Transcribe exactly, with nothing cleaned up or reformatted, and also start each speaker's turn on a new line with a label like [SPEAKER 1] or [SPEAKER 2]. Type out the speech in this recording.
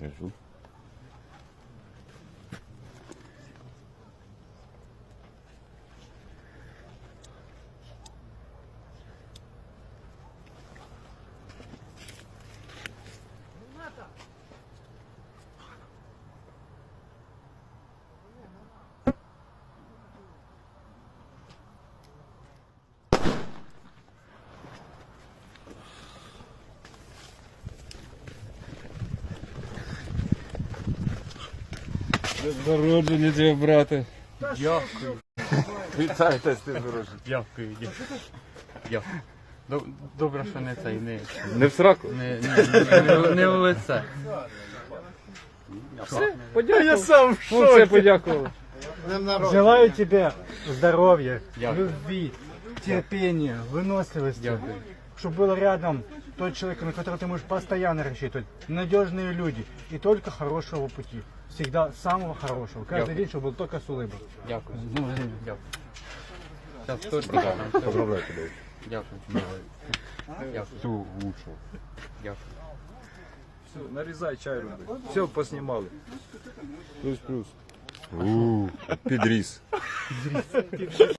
[SPEAKER 1] Держу. Народження тебе, брате.
[SPEAKER 2] Дякую.
[SPEAKER 1] Вітайте з тим народженням.
[SPEAKER 2] Дякую, дякую. Дякую. Доб- Добре, що не цей, не,
[SPEAKER 1] Не в сраку?
[SPEAKER 2] не, не, не, не в лице.
[SPEAKER 1] Подякував. Я сам в шоці. Все подякували.
[SPEAKER 3] Желаю тебе здоровья,
[SPEAKER 2] Дякую.
[SPEAKER 3] любви, терпения, выносливости.
[SPEAKER 2] Дякую.
[SPEAKER 3] Чтобы был рядом тот человек, на которого ты можешь постоянно рассчитывать. Надежные люди и только хорошего пути. Всегда самого хорошего. Каждый
[SPEAKER 2] Дякую.
[SPEAKER 3] день, чтобы был только с улыбкой.
[SPEAKER 2] Дякую. Дякую. Зараз торт дам.
[SPEAKER 1] Поздравляю тебе.
[SPEAKER 2] Дякую. Дякую.
[SPEAKER 1] Всього лучшого.
[SPEAKER 2] Дякую.
[SPEAKER 4] Все, нарізай чай роби. Все, поснімали.
[SPEAKER 1] Плюс-плюс. Ууу, підріс.